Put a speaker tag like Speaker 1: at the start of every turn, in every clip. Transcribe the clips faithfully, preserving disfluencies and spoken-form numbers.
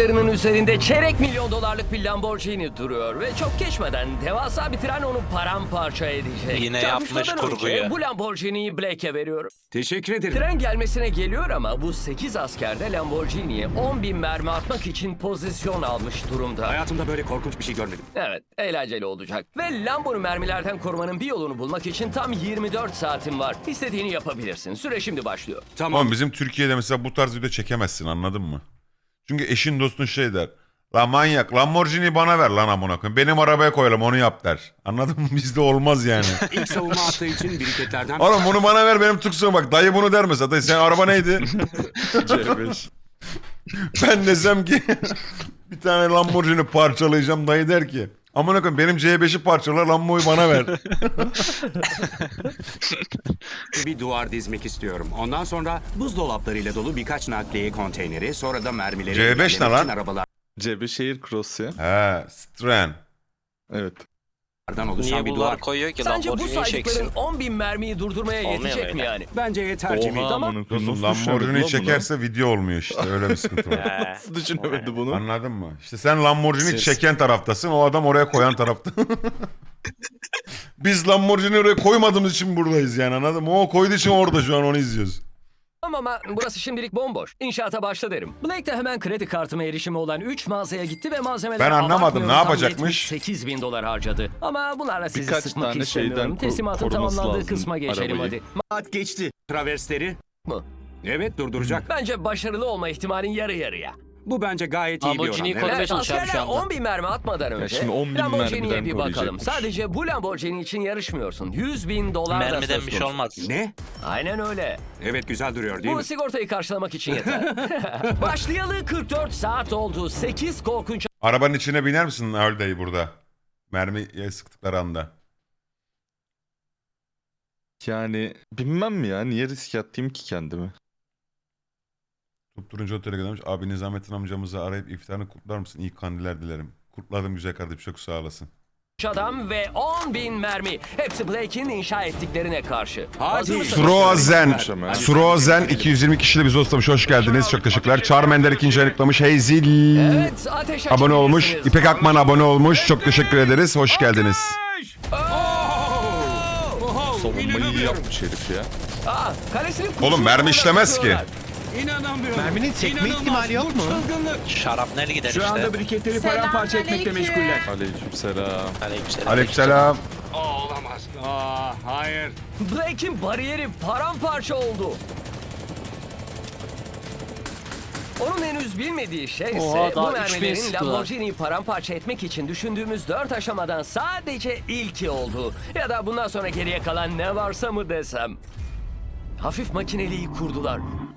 Speaker 1: tekerlerinin üzerinde çeyrek milyon dolarlık bir Lamborghini duruyor ve çok geçmeden devasa bir tren onu paramparça edecek.
Speaker 2: Yine
Speaker 1: Çarpışmadan
Speaker 2: yapmış
Speaker 1: önce
Speaker 2: kurguyu.
Speaker 1: Bu Lamborghini'yi Blake'e veriyorum.
Speaker 3: Teşekkür ederim.
Speaker 1: Tren gelmesine geliyor ama bu sekiz asker de Lamborghini'ye on bin mermi atmak için pozisyon almış durumda.
Speaker 3: Hayatımda böyle korkunç bir şey görmedim.
Speaker 1: Evet, eğlenceli olacak. Ve Lambo'nu mermilerden korumanın bir yolunu bulmak için tam yirmi dört saatin var. İstediğini yapabilirsin. Süre şimdi başlıyor.
Speaker 3: Tamam.
Speaker 4: Ama bizim Türkiye'de mesela bu tarz video çekemezsin, anladın mı? Çünkü eşin dostun şey der. La manyak, Lamborghini bana ver lan amına koyayım. Benim arabaya koyalım, onu yap der. Anladın mı? Bizde olmaz yani.
Speaker 3: İlk savunma attığı için biriketlerden...
Speaker 4: Oğlum bunu bana ver, benim tuksuğum bak. Dayı bunu der mesela. Dayı, senin araba neydi?
Speaker 5: C beş.
Speaker 4: Ben desem ki bir tane Lamborghini parçalayacağım, dayı der ki amına koyayım benim C beşi parçala, Lambo'yu bana ver.
Speaker 3: bir duvar dizmek istiyorum. Ondan sonra buzdolaplarıyla dolu birkaç nakliye konteyneri, sonra da mermileri...
Speaker 4: C beş ne
Speaker 3: engellemek
Speaker 4: lan?
Speaker 3: için arabalardan
Speaker 5: C beş Air Cross ya.
Speaker 4: He, Stren.
Speaker 5: Evet.
Speaker 3: oluşan
Speaker 2: Niye
Speaker 3: bir
Speaker 2: bunlar
Speaker 3: duvar.
Speaker 2: koyuyor ki
Speaker 1: Sence bu
Speaker 2: Lamborghini'yi
Speaker 1: saydıkların
Speaker 2: çeksin?
Speaker 1: on bin mermiyi durdurmaya
Speaker 2: Olmuyor
Speaker 1: yetecek mi
Speaker 2: öyle.
Speaker 1: yani?
Speaker 3: Bence yeter Jimmy.
Speaker 5: Oha
Speaker 1: Tamam.
Speaker 5: amına koyayım,
Speaker 4: Dostum
Speaker 5: nasıl düşünemedi
Speaker 4: Lamborghini
Speaker 5: lan bunu?
Speaker 4: çekerse video olmuyor işte, öyle bir sıkıntı var.
Speaker 2: He.
Speaker 5: Nasıl düşünemedi bunu?
Speaker 4: Anladın mı? İşte sen Lamborghini
Speaker 5: Siz-
Speaker 4: çeken taraftasın, o adam oraya koyan tarafta. Biz Lamborghini oraya koymadığımız için buradayız yani, anladın mı? O koyduğu için orada şu an onu izliyoruz.
Speaker 1: Ama burası şimdilik bomboş. İnşaata başla derim. Blake de hemen kredi kartıma erişimi olan üç mağazaya gitti ve malzemeleri
Speaker 4: Ben anlamadım,
Speaker 1: abartmıyorum,
Speaker 4: ne
Speaker 1: tam
Speaker 4: yapacakmış?
Speaker 1: sekiz bin dolar harcadı. Ama bunlarla sizi
Speaker 5: Birkaç
Speaker 1: sıkmak
Speaker 5: tane
Speaker 1: istemiyorum.
Speaker 5: şeyden ko-
Speaker 1: Teslimatın
Speaker 5: koruması
Speaker 1: tamamlandığı
Speaker 5: lazım
Speaker 1: kısma geçelim
Speaker 5: arabayı.
Speaker 1: hadi.
Speaker 3: Saat geçti. Traversleri...
Speaker 1: Mı?
Speaker 3: Evet, durduracak.
Speaker 1: Bence başarılı olma ihtimalin yarı yarıya.
Speaker 3: Bu bence gayet iyi bir oran.
Speaker 2: Lamborghini'yi
Speaker 3: Evet.
Speaker 2: korumaya
Speaker 1: Evet,
Speaker 2: çalışıyorum şu
Speaker 1: askerler
Speaker 2: anda.
Speaker 1: on bin mermi atmadan önce
Speaker 5: şimdi on bin
Speaker 1: Lamborghini'ye
Speaker 5: mermiden
Speaker 1: bir bakalım.
Speaker 5: koruyacakmış.
Speaker 1: Sadece bu Lamborghini için yarışmıyorsun. yüz bin dolar da
Speaker 2: Mermiden
Speaker 1: söz
Speaker 2: bir şey
Speaker 1: konusu.
Speaker 2: olmaz.
Speaker 3: Ne?
Speaker 1: Aynen öyle.
Speaker 3: Evet, güzel duruyor değil
Speaker 1: Bu
Speaker 3: mi?
Speaker 1: sigortayı karşılamak için yeter. Başlayalı kırk dört saat oldu. sekiz korkunç
Speaker 4: Arabanın içine biner misin öyle dayı burada? Mermiye sıktıkları anda.
Speaker 5: Yani bilmem mi ya, niye risk attım ki kendimi?
Speaker 4: Tutturuncu otele göndermiş. Abi Nizamettin amcamızı arayıp iftarını kutlar mısın? İyi kandiller dilerim. Kutladım güzel kardeşim, çok sağ olasın.
Speaker 1: adam ve on bin mermi. Hepsi Blake'in inşa ettiklerine karşı.
Speaker 3: Hadi.
Speaker 1: Hazır mısınız?
Speaker 4: Surozen,
Speaker 3: Hadi.
Speaker 4: Surozen iki yüz yirmi kişili bizi hostlamış. Hoş geldiniz. Çok teşekkürler. Charmander ikinci aylıklamış. Heyzil
Speaker 1: Evet, ateş
Speaker 4: abone olmuş.
Speaker 1: açabilirsiniz.
Speaker 4: İpek Akman abone olmuş. Çok teşekkür ederiz. Hoş geldiniz.
Speaker 5: Savunmayı iyi yapmış herif ya.
Speaker 1: Aa, kalesinin kurşunu
Speaker 4: Oğlum mermi
Speaker 1: oradan
Speaker 4: işlemez ki.
Speaker 1: tutuyorlar.
Speaker 3: İnanamıyorum.
Speaker 6: Merminin sekme
Speaker 3: İnanılmaz.
Speaker 6: ihtimali yok mu?
Speaker 3: Bu çılgınlık.
Speaker 2: Şarapnel gider
Speaker 3: Şu anda
Speaker 2: işte.
Speaker 3: briketleri paramparça etmekle meşguller.
Speaker 5: Aleykümselam.
Speaker 2: Aleykümselam.
Speaker 4: Aleykümselam.
Speaker 3: Aa, olamaz. Aa, hayır.
Speaker 1: Blake'in bariyeri paramparça oldu. Onun henüz bilmediği şey ise
Speaker 6: Oha,
Speaker 1: bu
Speaker 6: daha üç bin
Speaker 1: mermilerin
Speaker 6: sıktılar.
Speaker 1: Lamborghini'yi paramparça etmek için düşündüğümüz dört aşamadan sadece ilki oldu. Ya da bundan sonra geriye kalan ne varsa mı desem. Hafif makineliği kurdular.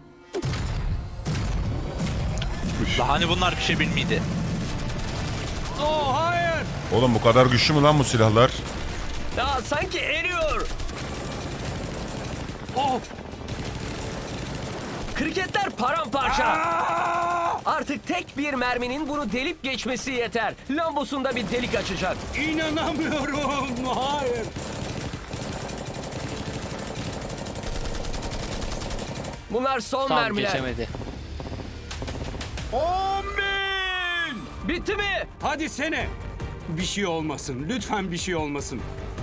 Speaker 2: Daha hani bunlar bir şey bilmiydi.
Speaker 3: Oh, hayır.
Speaker 4: Oğlum bu kadar güçlü mü lan bu silahlar?
Speaker 1: Ya sanki eriyor.
Speaker 3: Oh.
Speaker 1: Kriketler paramparça.
Speaker 3: Aa!
Speaker 1: Artık tek bir merminin bunu delip geçmesi yeter. Lambosunda bir delik açacak.
Speaker 3: İnanamıyorum. Hayır.
Speaker 1: Bunlar son
Speaker 6: Tam
Speaker 1: mermiler.
Speaker 6: geçemedi.
Speaker 3: On bin.
Speaker 1: Bitti mi?
Speaker 3: Hadi sene. Bir şey olmasın. Lütfen bir şey olmasın.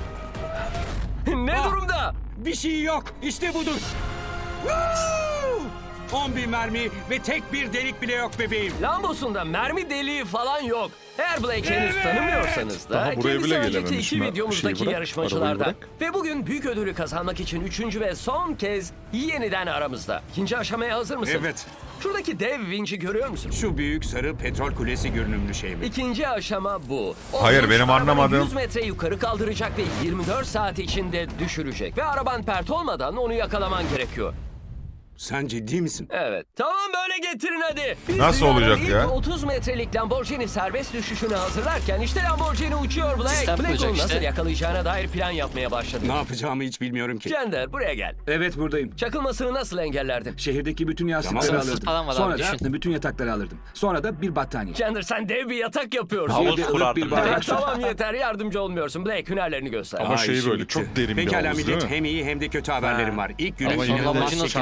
Speaker 1: Ne
Speaker 3: Ah.
Speaker 1: durumda?
Speaker 3: Bir şey yok. İşte budur. Woo! on bin mermi ve tek bir delik bile yok bebeğim.
Speaker 1: Lambosunda mermi deliği falan yok. Eğer Blake'i henüz
Speaker 3: Evet.
Speaker 1: tanımıyorsanız da
Speaker 5: Daha buraya
Speaker 1: kendisi
Speaker 5: bile
Speaker 1: önceki
Speaker 5: gelememiş.
Speaker 1: iki
Speaker 5: Ben-
Speaker 1: videomuzdaki
Speaker 5: şeyi bırak,
Speaker 1: yarışmacılardan.
Speaker 5: arabayı bırak.
Speaker 1: Ve bugün büyük ödülü kazanmak için üçüncü ve son kez yeniden aramızda. İkinci aşamaya hazır mısın?
Speaker 3: Evet.
Speaker 1: Şuradaki dev vinci görüyor musun?
Speaker 3: Şu büyük sarı petrol kulesi görünümlü şey mi?
Speaker 1: İkinci aşama bu. O
Speaker 4: Hayır,
Speaker 1: vinç
Speaker 4: benim
Speaker 1: arabanı
Speaker 4: anlamadığım-
Speaker 1: yüz metre yukarı kaldıracak ve yirmi dört saat içinde düşürecek. Ve araban pert olmadan onu yakalaman gerekiyor.
Speaker 3: Sen ciddi misin?
Speaker 1: Evet. Tamam böyle getirin hadi. Biz
Speaker 4: Nasıl
Speaker 1: dünyanın
Speaker 4: olacak
Speaker 1: ilk
Speaker 4: ya?
Speaker 1: otuz metrelik Lamborghini serbest düşüşünü hazırlarken işte Lamborghini uçuyor Blake.
Speaker 6: Sistem
Speaker 1: Blake
Speaker 6: kuracak
Speaker 1: onu nasıl
Speaker 6: işte.
Speaker 1: yakalayacağına dair plan yapmaya başladı.
Speaker 3: Ne yapacağımı hiç bilmiyorum ki.
Speaker 1: Cender buraya gel.
Speaker 7: Evet buradayım.
Speaker 1: Çakılmasını nasıl engellerdin?
Speaker 7: Şehirdeki bütün yastıkları
Speaker 3: Tamam.
Speaker 7: alırdım.
Speaker 6: Falan var abi,
Speaker 7: Sonra da
Speaker 6: düşün.
Speaker 7: bütün yatakları alırdım. Sonra da bir battaniye.
Speaker 1: Cender sen dev bir yatak yapıyorsun.
Speaker 2: Havuz
Speaker 7: Şehirde ılık
Speaker 2: kurardım.
Speaker 7: bir bardak.
Speaker 1: tamam yeter yardımcı olmuyorsun. Blake hünerlerini göster.
Speaker 5: Ama
Speaker 3: Aa,
Speaker 5: şey
Speaker 3: işim
Speaker 5: böyle
Speaker 3: bitti.
Speaker 5: çok derin bir
Speaker 3: Pekala
Speaker 5: havuz değil
Speaker 3: millet,
Speaker 5: mi?
Speaker 3: hem iyi hem de kötü haberlerim var. İlk günü
Speaker 5: Ama yine de
Speaker 3: inanılmaz
Speaker 6: Lamborghini
Speaker 3: şekilde
Speaker 6: çalacak.
Speaker 3: atlattık.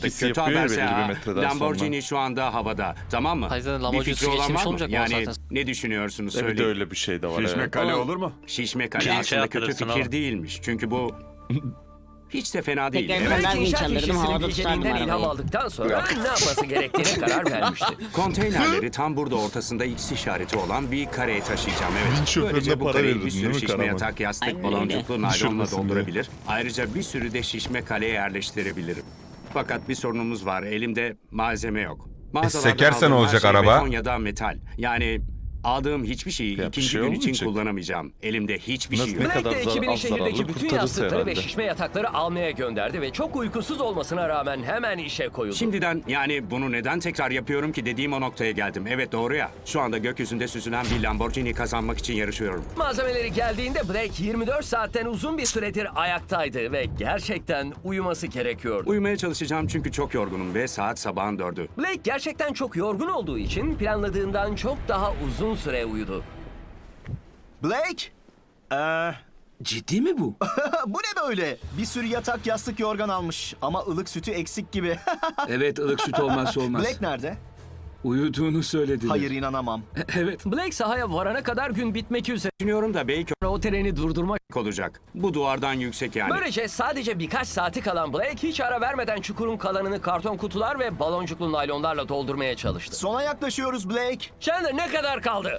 Speaker 5: sesi
Speaker 3: kötü
Speaker 5: yapıyor ya
Speaker 3: haberse
Speaker 5: belli bir
Speaker 3: ha,
Speaker 5: metreden
Speaker 3: Lamborghini şu anda havada. Tamam mı?
Speaker 6: Hayır, zaten
Speaker 3: Bir
Speaker 6: Lamborghini
Speaker 3: fikri olan
Speaker 6: geçmiş
Speaker 3: var mı?
Speaker 6: olmayacak mı o
Speaker 3: Yani
Speaker 6: zaten?
Speaker 3: ne düşünüyorsunuz
Speaker 5: sonra. Evet
Speaker 3: söyleyin.
Speaker 5: öyle bir şey de var.
Speaker 7: Şişme
Speaker 5: evet.
Speaker 7: kale olur mu?
Speaker 3: Şişme kale
Speaker 2: Şey
Speaker 3: aslında kötü
Speaker 2: yaptırırsın
Speaker 3: fikir
Speaker 2: oğlum.
Speaker 3: değilmiş. Çünkü bu hiç de fena değil.
Speaker 8: Tekrar
Speaker 3: Evet.
Speaker 8: ben
Speaker 1: Blake inşaat
Speaker 8: vinç alırdım,
Speaker 1: işçisinin
Speaker 8: havada
Speaker 1: bilgeliğinden
Speaker 8: tutardım
Speaker 1: ilham
Speaker 8: arabayı.
Speaker 1: aldıktan sonra ne yapması gerektiğine karar vermişti.
Speaker 3: Konteynerleri tam burada ortasında X işareti olan bir kareye taşıyacağım. Evet.
Speaker 5: Vinç şoförüne
Speaker 3: Böylece bu
Speaker 5: para
Speaker 3: kareyi
Speaker 5: verirdin
Speaker 3: bir
Speaker 5: değil
Speaker 3: sürü
Speaker 5: mi
Speaker 3: şişme
Speaker 5: Karaman?
Speaker 3: yatak, yastık,
Speaker 8: Aynen
Speaker 3: baloncuklu
Speaker 5: öyle.
Speaker 3: naylonla
Speaker 5: Düşürmesin diye.
Speaker 3: doldurabilir. Ayrıca bir sürü de şişme kaleye yerleştirebilirim. Fakat bir sorunumuz var. Elimde malzeme yok. Mağazalardan
Speaker 4: sekersen
Speaker 3: aldığım her
Speaker 4: olacak
Speaker 3: şey
Speaker 4: araba.
Speaker 3: beton ya da metal. Yani aldığım hiçbir şeyi
Speaker 5: Ya bir
Speaker 3: ikinci
Speaker 5: şey
Speaker 3: gün için
Speaker 5: olmayacak.
Speaker 3: kullanamayacağım. Elimde hiçbir
Speaker 5: Nasıl
Speaker 3: şey
Speaker 5: ne
Speaker 3: yok.
Speaker 5: kadar
Speaker 1: Blake de
Speaker 5: zar-
Speaker 1: ekibini
Speaker 5: az zararlı
Speaker 1: şehirdeki bütün
Speaker 5: kurtarırsa
Speaker 1: yastıkları ve
Speaker 5: herhalde.
Speaker 1: şişme yatakları almaya gönderdi ve çok uykusuz olmasına rağmen hemen işe koyuldu.
Speaker 3: Şimdiden yani bunu neden tekrar yapıyorum ki dediğim o noktaya geldim. Evet doğru ya. Şu anda gökyüzünde süzülen bir Lamborghini kazanmak için yarışıyorum.
Speaker 1: Malzemeleri geldiğinde Blake yirmi dört saatten uzun bir süredir ayaktaydı ve gerçekten uyuması gerekiyordu.
Speaker 3: Uyumaya çalışacağım çünkü çok yorgunum ve saat sabahın dördü.
Speaker 1: Blake gerçekten çok yorgun olduğu için planladığından çok daha uzun süre uyudu.
Speaker 9: Blake? Ee,
Speaker 7: Ciddi mi bu?
Speaker 9: bu ne böyle? Bir sürü yatak, yastık, yorgan almış. Ama ılık sütü eksik gibi.
Speaker 7: Evet, ılık süt olmazsa olmaz.
Speaker 9: Blake nerede?
Speaker 7: Uyuduğunu söylediler.
Speaker 9: Hayır, inanamam.
Speaker 7: Evet.
Speaker 1: Blake sahaya varana kadar gün bitmek üzere.
Speaker 3: Düşünüyorum da belki
Speaker 1: O treni durdurmak.
Speaker 3: olacak. Bu duvardan yüksek yani.
Speaker 1: Böylece sadece birkaç saati kalan Blake hiç ara vermeden çukurun kalanını karton kutular ve baloncuklu naylonlarla doldurmaya çalıştı.
Speaker 9: Sona yaklaşıyoruz Blake.
Speaker 1: Chandler ne kadar kaldı?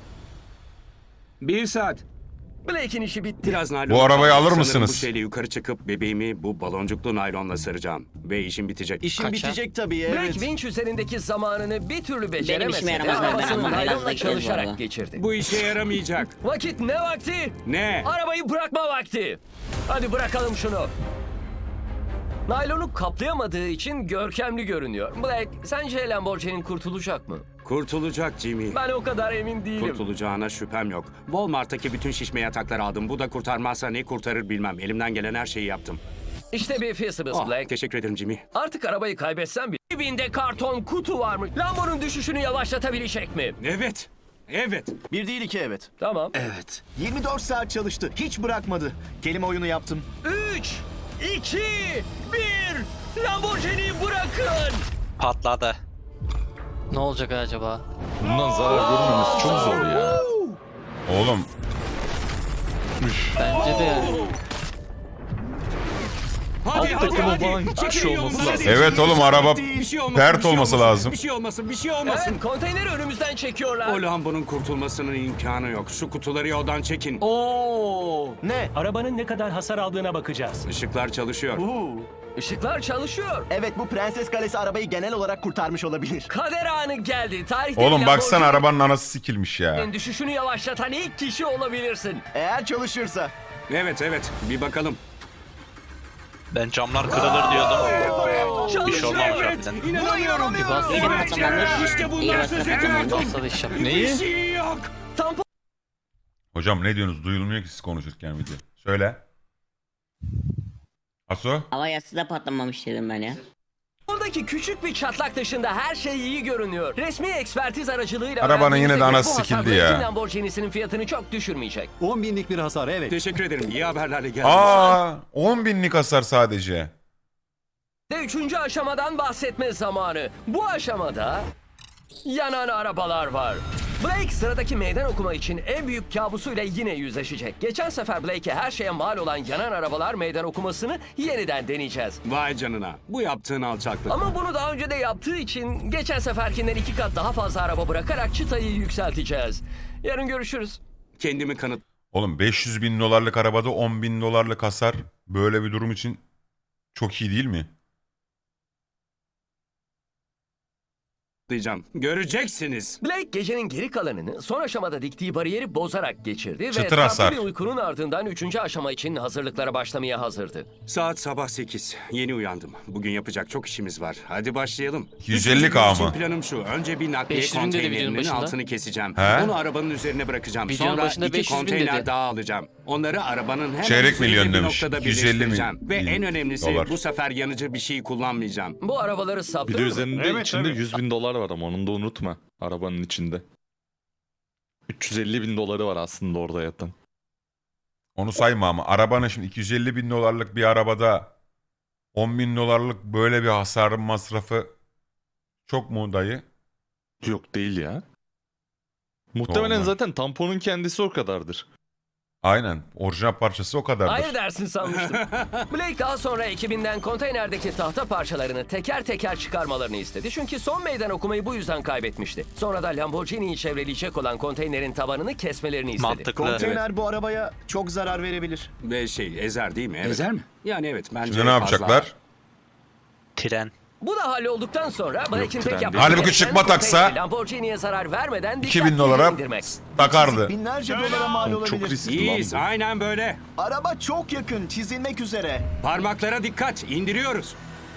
Speaker 7: Bir saat.
Speaker 1: Blake'in işi bitti.
Speaker 3: Biraz naylon.
Speaker 4: Bu arabayı alır
Speaker 3: Sanırım
Speaker 4: mısınız?
Speaker 3: Bu şeyle yukarı çıkıp bebeğimi bu baloncuklu naylonla saracağım. Ve işim bitecek.
Speaker 9: İşin
Speaker 6: Kaça?
Speaker 9: bitecek tabii,
Speaker 1: Blake
Speaker 9: evet.
Speaker 1: vinç üzerindeki zamanını bir türlü beceremese
Speaker 8: işime
Speaker 1: de
Speaker 8: yaramaz, ben
Speaker 1: arabasını
Speaker 8: anlamam. Biraz
Speaker 1: naylonla
Speaker 8: da gideriz bu
Speaker 1: çalışarak
Speaker 8: arada.
Speaker 1: geçirdi.
Speaker 3: Bu işe yaramayacak.
Speaker 1: Vakit ne vakti?
Speaker 3: Ne?
Speaker 1: Arabayı bırakma vakti. Hadi bırakalım şunu. Naylonu kaplayamadığı için görkemli görünüyor. Black, sence Lamborghini kurtulacak mı?
Speaker 3: Kurtulacak Jimmy.
Speaker 1: Ben o kadar emin değilim.
Speaker 3: Kurtulacağına şüphem yok. Walmart'taki bütün şişme yatakları aldım. Bu da kurtarmazsa ne kurtarır bilmem. Elimden gelen her şeyi yaptım.
Speaker 1: İşte bir Feasibles
Speaker 3: Ah,
Speaker 1: Black.
Speaker 3: teşekkür ederim Jimmy.
Speaker 1: Artık arabayı kaybetsen bile dibinde karton kutu var mı? Lambo'nun düşüşünü yavaşlatabilecek mi?
Speaker 3: Evet. Evet.
Speaker 9: Bir değil iki evet.
Speaker 1: Tamam.
Speaker 7: Evet.
Speaker 9: yirmi dört saat çalıştı. Hiç bırakmadı. Kelime oyunu yaptım.
Speaker 1: Üç, iki, bir. Lamborghini'yi bırakın.
Speaker 2: Patladı.
Speaker 6: Ne olacak acaba?
Speaker 5: Bundan zarar görmemesi çok zor ya.
Speaker 4: Oğlum
Speaker 6: Bence de yani.
Speaker 3: Hadi
Speaker 5: Alt takımı falan hiçbir
Speaker 3: Çekilin
Speaker 5: şey olması
Speaker 3: yolumuza.
Speaker 5: lazım.
Speaker 4: evet oğlum araba
Speaker 3: Bir şey olmasın,
Speaker 4: pert
Speaker 3: bir şey
Speaker 4: olması
Speaker 3: olmasın,
Speaker 4: lazım.
Speaker 3: Bir şey olmasın, bir şey olmasın.
Speaker 1: Evet, konteyneri önümüzden çekiyorlar.
Speaker 3: O Lambo'nun kurtulmasının imkanı yok. Şu kutuları yoldan çekin.
Speaker 1: Oo.
Speaker 9: Ne?
Speaker 10: Arabanın ne kadar hasar aldığına bakacağız.
Speaker 3: Işıklar çalışıyor.
Speaker 9: Uhu.
Speaker 1: Işıklar çalışıyor.
Speaker 9: Evet, bu Prenses Kalesi arabayı genel olarak kurtarmış olabilir.
Speaker 1: Kader anı geldi. Tarihte
Speaker 4: Oğlum baksana
Speaker 1: Lamborghini'nin
Speaker 4: arabanın anası sikilmiş ya.
Speaker 1: düşüşünü yavaşlatan ilk kişi olabilirsin.
Speaker 9: Eğer çalışırsa.
Speaker 3: Evet, evet. Bir bakalım.
Speaker 2: Ben camlar kırılır diyordum. Bir şey
Speaker 1: Çalışıyor.
Speaker 2: olmamış harbiden.
Speaker 3: İnanamıyorum.
Speaker 6: Bir bas.
Speaker 8: İyi
Speaker 3: Evet,
Speaker 8: patlamandır.
Speaker 3: işte
Speaker 8: İyi
Speaker 3: bundan
Speaker 8: bas
Speaker 3: söz
Speaker 8: patlamandır.
Speaker 3: ediyordum.
Speaker 6: Basta da iş yap.
Speaker 3: Bir
Speaker 5: Neyi?
Speaker 3: şey yok.
Speaker 1: Tampon
Speaker 4: Hocam ne diyorsunuz? Duyulmuyor ki siz konuşurken video. Söyle. Aso?
Speaker 8: Hava yastığı da patlamamış dedim ben ya.
Speaker 1: Oradaki küçük bir çatlak dışında her şey iyi görünüyor. Resmi ekspertiz aracılığıyla
Speaker 4: Arabanın
Speaker 1: öğrendiğimize
Speaker 4: yine de
Speaker 1: göre
Speaker 4: anası
Speaker 1: bu hasar
Speaker 4: sikildi
Speaker 1: Blake'in
Speaker 4: ya.
Speaker 1: Lamborghini'sinin fiyatını çok düşürmeyecek.
Speaker 7: on binlik bir hasar, evet.
Speaker 3: Teşekkür ederim. İyi haberlerle geldiniz.
Speaker 4: Aa, on binlik hasar sadece.
Speaker 1: Ve üçüncü aşamadan bahsetme zamanı. Bu aşamada yanan arabalar var. Blake sıradaki meydan okuma için en büyük kabusuyla yine yüzleşecek. Geçen sefer Blake'e her şeye mal olan yanan arabalar meydan okumasını yeniden deneyeceğiz.
Speaker 3: Vay canına. Bu yaptığın alçaklık.
Speaker 1: Ama bunu daha önce de yaptığı için geçen seferkinden iki kat daha fazla araba bırakarak çıtayı yükselteceğiz. Yarın görüşürüz.
Speaker 3: Kendimi kanıt.
Speaker 4: Oğlum beş yüz bin dolarlık arabada on bin dolarlık hasar böyle bir durum için çok iyi değil mi?
Speaker 3: diyeceğim. Göreceksiniz.
Speaker 1: Blake gecenin geri kalanını son aşamada diktiği bariyeri bozarak geçirdi ve
Speaker 4: Çıtır
Speaker 1: tatlı
Speaker 4: hasar.
Speaker 1: bir uykunun ardından üçüncü aşama için hazırlıklara başlamaya hazırdı.
Speaker 3: Saat sabah sekiz. Yeni uyandım. Bugün yapacak çok işimiz var. Hadi başlayalım.
Speaker 4: iki yüz elli
Speaker 3: Üçüncü gün
Speaker 4: K
Speaker 3: için
Speaker 4: mı?
Speaker 3: planım şu. Önce bir nakliye
Speaker 6: beş yüz bin dedi videonun
Speaker 3: konteynerinin
Speaker 6: başında.
Speaker 3: altını keseceğim.
Speaker 4: He?
Speaker 3: Onu arabanın üzerine bırakacağım.
Speaker 6: Videonun
Speaker 3: Sonra
Speaker 6: başında
Speaker 3: iki
Speaker 6: beş yüz bin
Speaker 3: konteyner
Speaker 6: dedi.
Speaker 3: daha alacağım. Onları arabanın hemen
Speaker 4: Çeyrek
Speaker 3: üzerinde
Speaker 4: milyon
Speaker 3: bir
Speaker 4: demiş.
Speaker 3: noktada
Speaker 4: iki yüz elli
Speaker 3: birleştireceğim.
Speaker 4: milyon
Speaker 3: Ve en önemlisi
Speaker 4: dolar.
Speaker 3: bu sefer yanıcı bir şey kullanmayacağım.
Speaker 1: Bu arabaları
Speaker 5: Bir de
Speaker 1: saptırır mı?
Speaker 5: üzerinde içinde yüz bin dolar var ama onu da unutma. Arabanın içinde. üç yüz elli bin doları var aslında orada yatan.
Speaker 4: Onu sayma ama arabanın şimdi iki yüz elli bin dolarlık bir arabada on bin dolarlık böyle bir hasarın masrafı çok mu dayı?
Speaker 5: Yok değil ya. Muhtemelen
Speaker 4: Normal.
Speaker 5: zaten tamponun kendisi o kadardır.
Speaker 4: Aynen. Orijinal parçası o kadardır.
Speaker 1: Hayır dersin sanmıştım. Blake daha sonra ekibinden konteynerdeki tahta parçalarını teker teker çıkarmalarını istedi. Çünkü son meydan okumayı bu yüzden kaybetmişti. Sonra da Lamborghini'yi çevreleyecek olan konteynerin tabanını kesmelerini istedi.
Speaker 2: Mantıklı.
Speaker 9: Konteyner bu arabaya çok zarar verebilir.
Speaker 3: Ve şey ezer değil mi? Evet.
Speaker 7: Ezer mi?
Speaker 3: Yani evet bence
Speaker 4: Şimdi ne
Speaker 3: fazla.
Speaker 4: yapacaklar?
Speaker 2: Tren.
Speaker 1: Bu da hallolduktan sonra Blake'in
Speaker 5: tren
Speaker 1: tek
Speaker 5: değil.
Speaker 1: yapması
Speaker 4: Halbuki
Speaker 1: gereken
Speaker 4: çıkma taksa
Speaker 1: konteyneri Lamborghini'ye zarar vermeden
Speaker 4: iki
Speaker 1: dikkatlice
Speaker 4: bin dolara
Speaker 1: indirmek.
Speaker 4: takardı.
Speaker 9: Binlerce dolara mal
Speaker 5: Oğlum çok
Speaker 9: olabilir.
Speaker 5: riskli lan
Speaker 3: İyiyiz
Speaker 5: bu.
Speaker 3: aynen böyle.
Speaker 9: Araba çok yakın, çizilmek üzere.
Speaker 3: Parmaklara dikkat indiriyoruz.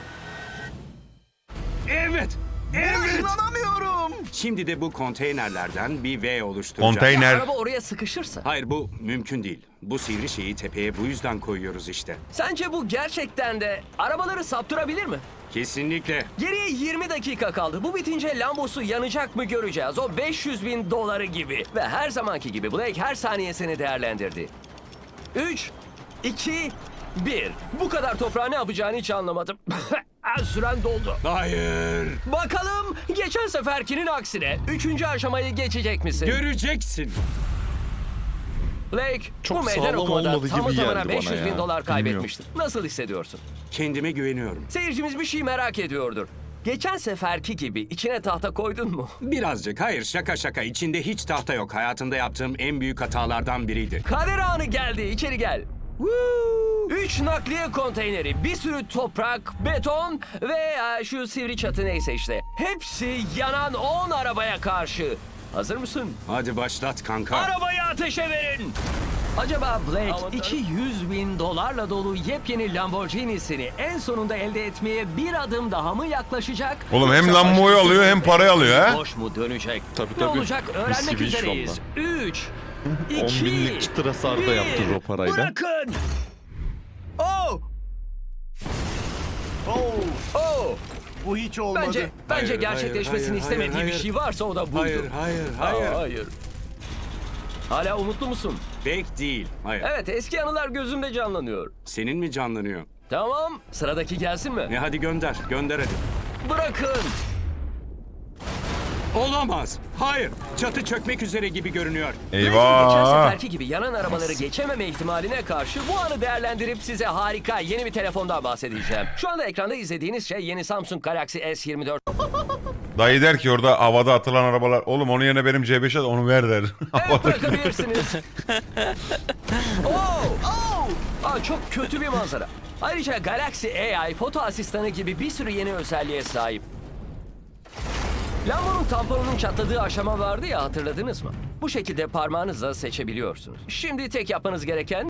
Speaker 3: Evet. Evet.
Speaker 9: İnanamıyorum.
Speaker 3: Şimdi de bu konteynerlerden bir V oluşturacağız.
Speaker 4: Konteyner.
Speaker 1: Araba oraya sıkışırsa.
Speaker 3: Hayır bu mümkün değil. Bu sivri şeyi tepeye bu yüzden koyuyoruz işte.
Speaker 1: Sence bu gerçekten de arabaları saptırabilir mi?
Speaker 3: Kesinlikle.
Speaker 1: Geriye yirmi dakika kaldı. Bu bitince Lambosu yanacak mı göreceğiz. O beş yüz bin doları gibi. Ve her zamanki gibi Blake her saniyesini değerlendirdi. üç, iki, bir. Bu kadar toprağı ne yapacağını hiç anlamadım. Süren doldu.
Speaker 3: Hayır.
Speaker 1: Bakalım geçen seferkinin aksine üçüncü aşamayı geçecek misin?
Speaker 3: Göreceksin.
Speaker 1: Blake
Speaker 5: Çok
Speaker 1: bu meydan
Speaker 5: sağlam
Speaker 1: okumada
Speaker 5: olmadı
Speaker 1: tamı
Speaker 5: gibi
Speaker 1: tamına
Speaker 5: geldi
Speaker 1: beş
Speaker 5: bana
Speaker 1: yüz bin
Speaker 5: ya.
Speaker 1: dolar
Speaker 5: Bilmiyorum.
Speaker 1: kaybetmiştin. Nasıl hissediyorsun?
Speaker 3: Kendime güveniyorum.
Speaker 1: Seyircimiz bir şey merak ediyordur. Geçen seferki gibi içine tahta koydun mu?
Speaker 3: Birazcık hayır şaka şaka içinde hiç tahta yok. Hayatımda yaptığım en büyük hatalardan biriydi.
Speaker 1: Kader anı geldi. İçeri gel. Üç nakliye konteyneri, bir sürü toprak, beton ve e, şu sivri çatı neyse işte. Hepsi yanan on arabaya karşı. Hazır mısın?
Speaker 3: Hadi başlat kanka.
Speaker 1: Arabayı ateşe verin. Acaba Blake iki yüz bin dolarla dolu yepyeni Lamborghini'sini en sonunda elde etmeye bir adım daha mı yaklaşacak?
Speaker 4: Oğlum hem
Speaker 1: Yoksa
Speaker 4: Lambo'yu
Speaker 1: başka
Speaker 4: alıyor hem
Speaker 1: bir
Speaker 4: parayı alıyor ha.
Speaker 1: Boş mu dönecek?
Speaker 5: Tabii,
Speaker 1: Ne
Speaker 5: tabii.
Speaker 1: olacak öğrenmek
Speaker 5: Mis gibi iş
Speaker 1: üzereyiz. üç,
Speaker 5: on
Speaker 1: iki,
Speaker 5: binlik çıtır hasar da yaptırır o parayla.
Speaker 1: Bırakın. Oh!
Speaker 9: Oo,
Speaker 1: Oh!
Speaker 9: bu hiç olmadı.
Speaker 1: Bence bence
Speaker 3: Hayır,
Speaker 1: gerçekleşmesini
Speaker 3: hayır,
Speaker 1: istemediği
Speaker 3: hayır,
Speaker 1: bir
Speaker 3: hayır.
Speaker 1: şey varsa o da buydu.
Speaker 3: Hayır hayır hayır.
Speaker 1: Aa, hayır. Hala umutlu musun?
Speaker 3: Bek değil. Hayır.
Speaker 1: Evet, eski anılar gözümde canlanıyor.
Speaker 3: Senin mi canlanıyor?
Speaker 1: Tamam, sıradaki gelsin mi?
Speaker 3: E hadi gönder. Gönder hadi.
Speaker 1: Bırakın.
Speaker 3: Olamaz. Hayır. Çatı çökmek üzere gibi görünüyor.
Speaker 1: Geçen
Speaker 4: Eyvah.
Speaker 1: seferki gibi yanan arabaları geçememe ihtimaline karşı bu anı değerlendirip size harika yeni bir telefondan bahsedeceğim. Şu anda ekranda izlediğiniz şey yeni Samsung Galaxy S yirmi dört.
Speaker 4: Dayı der ki orada havada atılan arabalar. Oğlum onun yerine benim C beşe at onu ver der.
Speaker 1: Evet, bırakabilirsiniz. Oo! Oo! Aa, çok kötü bir manzara. Ayrıca Galaxy A I foto asistanı gibi bir sürü yeni özelliğe sahip. Lambo'nun tamponunun çatladığı aşama vardı ya, hatırladınız mı? Bu şekilde parmağınızla seçebiliyorsunuz. Şimdi tek yapmanız gereken...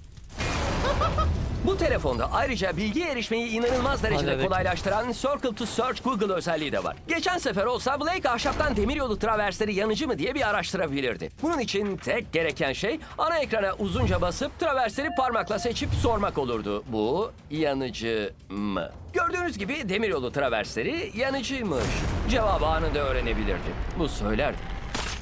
Speaker 1: Bu telefonda ayrıca bilgiye erişmeyi inanılmaz derecede
Speaker 6: Halledik.
Speaker 1: kolaylaştıran Circle to Search Google özelliği de var. Geçen sefer olsa Blake ahşaptan demiryolu traversleri yanıcı mı diye bir araştırabilirdi. Bunun için tek gereken şey ana ekrana uzunca basıp traversleri parmakla seçip sormak olurdu. Bu yanıcı mı? Gördüğünüz gibi demiryolu traversleri yanıcıymış. Cevabı anında öğrenebilirdi. Bu söylerdi.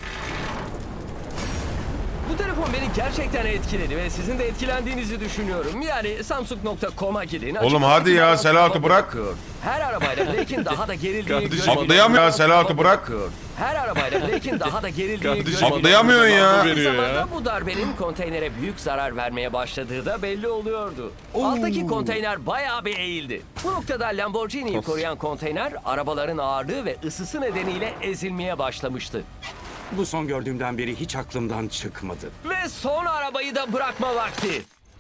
Speaker 1: Bu telefon beni gerçekten etkiledi ve sizin de etkilendiğinizi düşünüyorum. Yani Samsung nokta com'a gidin.
Speaker 4: Oğlum hadi ya,
Speaker 1: Açık-
Speaker 4: Selahat'ı bırak.
Speaker 1: bakıyor. Her arabayla Blake'in daha da gerildiği
Speaker 5: Kardeşim,
Speaker 1: görüyorum.
Speaker 4: atlayamıyor ya, Selahat'ı bırak.
Speaker 1: Bakıyor. Her arabayla Blake'in daha da gerildiği
Speaker 5: Kardeşim,
Speaker 1: görüyorum.
Speaker 4: atlayamıyorsun ya.
Speaker 1: Aynı
Speaker 5: Veriyor
Speaker 1: zamanda
Speaker 5: ya.
Speaker 1: bu darbenin konteynere büyük zarar vermeye başladığı da belli oluyordu. Alttaki konteyner bayağı bir eğildi. Bu noktada Lamborghini'yi
Speaker 5: Of.
Speaker 1: koruyan konteyner arabaların ağırlığı ve ısısı nedeniyle ezilmeye başlamıştı.
Speaker 3: Bu son gördüğümden beri hiç aklımdan çıkmadı.
Speaker 1: Ve son arabayı da bırakma vakti.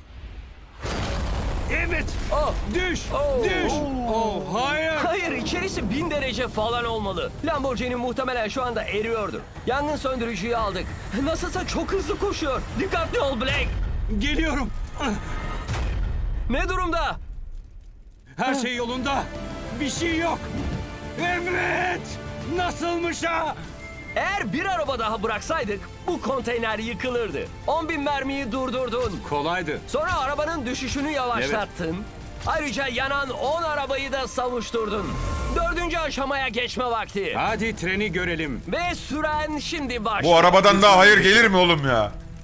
Speaker 3: Evet.
Speaker 1: Oh,
Speaker 3: Düş.
Speaker 1: Oh.
Speaker 3: Düş. Oh hayır.
Speaker 1: hayır, içerisi bin derece falan olmalı. Lamborghini muhtemelen şu anda eriyordur. Yangın söndürücüyü aldık. Nasılsa çok hızlı koşuyor. Dikkatli ol Blake.
Speaker 3: Geliyorum.
Speaker 1: Ne durumda?
Speaker 3: Her şey yolunda. Bir şey yok. Evet. Nasılmış ha?
Speaker 1: Eğer bir araba daha bıraksaydık bu konteyner yıkılırdı. on bin mermiyi durdurdun.
Speaker 3: Kolaydı.
Speaker 1: Sonra arabanın düşüşünü yavaşlattın. Ayrıca yanan on arabayı da savuşturdun. Dördüncü aşamaya geçme vakti.
Speaker 3: Hadi treni görelim.
Speaker 1: Ve süren şimdi başlıyor.
Speaker 4: Bu arabadan daha hayır gelir mi oğlum ya?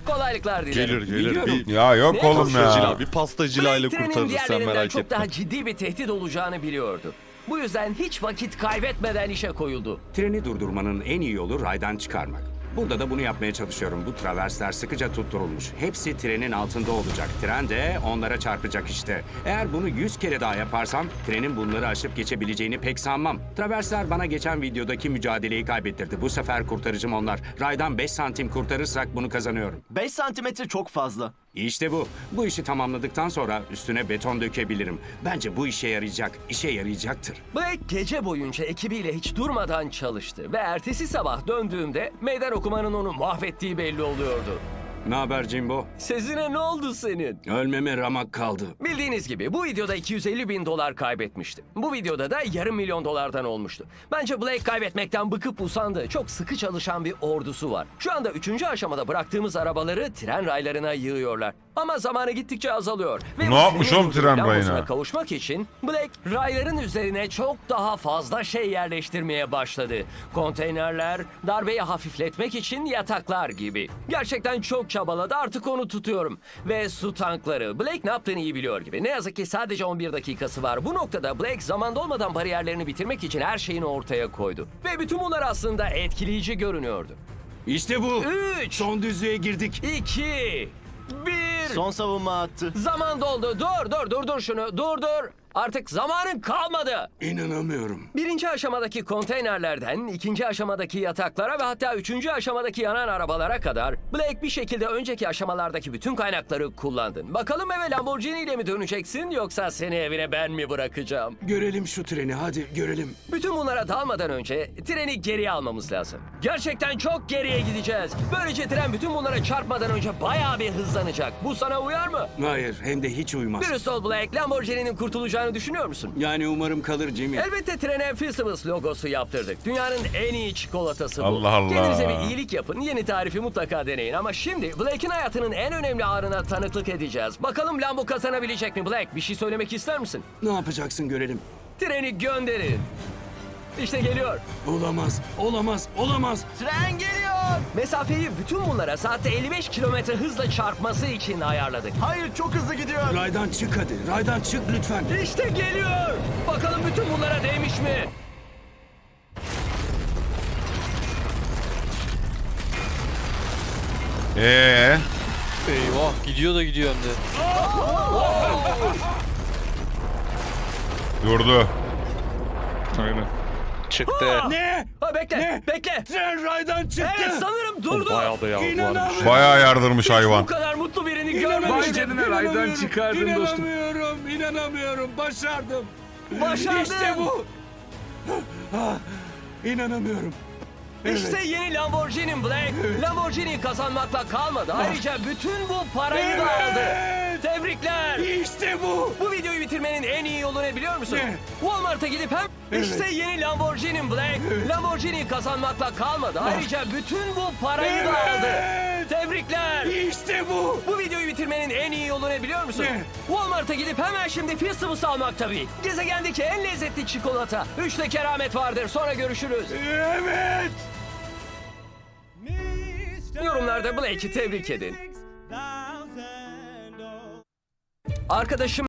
Speaker 1: Kolaylıklar dilerim.
Speaker 5: Gelir gelir.
Speaker 7: Biliyorum.
Speaker 5: Bir
Speaker 4: Ya yok
Speaker 1: Ne
Speaker 4: oğlum
Speaker 5: pastacıyla,
Speaker 4: ya.
Speaker 5: bir pastacılayla
Speaker 1: Blake trenin
Speaker 5: kurtarırız sen
Speaker 1: diğerlerinden
Speaker 5: merak
Speaker 1: çok
Speaker 5: etme.
Speaker 1: daha ciddi bir tehdit olacağını biliyordu. Bu yüzden hiç vakit kaybetmeden işe koyuldu.
Speaker 3: Treni durdurmanın en iyi yolu raydan çıkarmak. Burada da bunu yapmaya çalışıyorum. Bu traversler sıkıca tutturulmuş. Hepsi trenin altında olacak. Tren de onlara çarpacak işte. Eğer bunu yüz kere daha yaparsam trenin bunları aşıp geçebileceğini pek sanmam. Traversler bana geçen videodaki mücadeleyi kaybettirdi. Bu sefer kurtarıcım onlar. Raydan beş santim kurtarırsak bunu kazanıyorum.
Speaker 9: beş santimetre çok fazla.
Speaker 3: İşte bu. Bu işi tamamladıktan sonra üstüne beton dökebilirim. Bence bu işe yarayacak. İşe yarayacaktır.
Speaker 1: Blake gece boyunca ekibiyle hiç durmadan çalıştı ve ertesi sabah döndüğümde meydan okumanın onu mahvettiği belli oluyordu.
Speaker 3: Ne haber Jimbo?
Speaker 1: Sezine ne oldu senin?
Speaker 3: Ölmeme ramak kaldı.
Speaker 1: Bildiğiniz gibi bu videoda iki yüz elli bin dolar kaybetmişti. Bu videoda da yarım milyon dolardan olmuştu. Bence Blake kaybetmekten bıkıp usandı. Çok sıkı çalışan bir ordusu var. Şu anda üçüncü aşamada bıraktığımız arabaları tren raylarına yığıyorlar. Ama zamanı gittikçe azalıyor. Ve
Speaker 4: Ne
Speaker 1: bu
Speaker 4: yapmış
Speaker 1: trenin
Speaker 4: oğlum tren
Speaker 1: lambosuna
Speaker 4: rayına?
Speaker 1: kavuşmak için Blake rayların üzerine çok daha fazla şey yerleştirmeye başladı. Konteynerler, darbeyi hafifletmek için yataklar gibi. Gerçekten çok çabaladı, artık onu tutuyorum. Ve su tankları. Blake ne yaptığını iyi biliyor gibi. Ne yazık ki sadece on bir dakikası var. Bu noktada Blake zaman dolmadan bariyerlerini bitirmek için her şeyini ortaya koydu. Ve bütün bunlar aslında etkileyici görünüyordu.
Speaker 3: İşte bu.
Speaker 1: Üç,
Speaker 3: Son düzlüğe girdik.
Speaker 1: iki, bir.
Speaker 9: Son savunma attı.
Speaker 1: Zaman doldu. Dur, dur, dur, dur şunu. Dur, dur. Artık zamanın kalmadı.
Speaker 3: İnanamıyorum.
Speaker 1: Birinci aşamadaki konteynerlerden, ikinci aşamadaki yataklara ve hatta üçüncü aşamadaki yanan arabalara kadar Blake bir şekilde önceki aşamalardaki bütün kaynakları kullandın. Bakalım eve Lamborghini ile mi döneceksin yoksa seni evine ben mi bırakacağım?
Speaker 3: Görelim şu treni hadi görelim.
Speaker 1: Bütün bunlara dalmadan önce treni geriye almamız lazım. Gerçekten çok geriye gideceğiz. Böylece tren bütün bunlara çarpmadan önce bayağı bir hızlanacak. Bu sana uyar mı?
Speaker 3: Hayır hem de hiç uymaz.
Speaker 1: Dürüst ol Blake, Lamborghini'nin kurtulacağını düşünüyor musun?
Speaker 3: Yani umarım kalır Jimmy.
Speaker 1: Elbette trene Fissimus logosu yaptırdık. Dünyanın en iyi çikolatası bu.
Speaker 4: Allah Allah.
Speaker 1: Kendinize bir iyilik yapın. Yeni tarifi mutlaka deneyin. Ama şimdi Blake'in hayatının en önemli anına tanıklık edeceğiz. Bakalım Lambo kazanabilecek mi Blake? Bir şey söylemek ister misin?
Speaker 3: Ne yapacaksın görelim.
Speaker 1: Treni gönderin. İşte geliyor.
Speaker 3: Olamaz, olamaz, olamaz.
Speaker 9: Tren geliyor.
Speaker 1: Mesafeyi bütün bunlara saatte elli beş kilometre hızla çarpması için ayarladık.
Speaker 9: Hayır, çok hızlı gidiyor.
Speaker 3: Raydan çık hadi, raydan çık lütfen.
Speaker 1: İşte geliyor. Bakalım bütün bunlara değmiş mi?
Speaker 4: Ee,
Speaker 6: Eyvah gidiyor da gidiyor hem de.
Speaker 4: durdu.
Speaker 5: Aynen.
Speaker 2: Çıktı.
Speaker 3: Ne?
Speaker 1: Ha, bekle,
Speaker 3: Ne?
Speaker 1: bekle.
Speaker 3: Tren raydan çıktı.
Speaker 1: Evet, sanırım durdu.
Speaker 5: Bayağı da yavru varmış.
Speaker 4: Bayağı yardırmış hayvan.
Speaker 1: Bu kadar mutlu birini
Speaker 7: Vay
Speaker 1: görmemiştim.
Speaker 7: canına raydan çıkardın dostum.
Speaker 3: İnanamıyorum, inanamıyorum. Başardım.
Speaker 1: Başardın.
Speaker 3: İşte bu. Ah, İnanamıyorum.
Speaker 1: İşte yeni Lamborghini Black. Lamborghini kazanmakla kalmadı. Ayrıca bütün bu parayı da aldı. Tebrikler.
Speaker 3: İşte bu.
Speaker 1: Bu videoyu bitirmenin en iyi yolu ne biliyor musun?
Speaker 3: Ne?
Speaker 1: Walmart'a gidip hem işte yeni Lamborghini Black. Lamborghini kazanmakla kalmadı. Ayrıca bütün bu parayı da aldı.
Speaker 3: Evet.
Speaker 1: Tebrikler.
Speaker 3: İşte bu.
Speaker 1: Bu videoyu bitirmenin en iyi yolu ne biliyor musun?
Speaker 3: Ne?
Speaker 1: Walmart'a gidip hemen şimdi Fissimus almak tabii. Gezegendeki en lezzetli çikolata. Üçte keramet vardır. Sonra görüşürüz.
Speaker 3: Evet.
Speaker 1: Yorumlarda Blake'i tebrik edin. Arkadaşım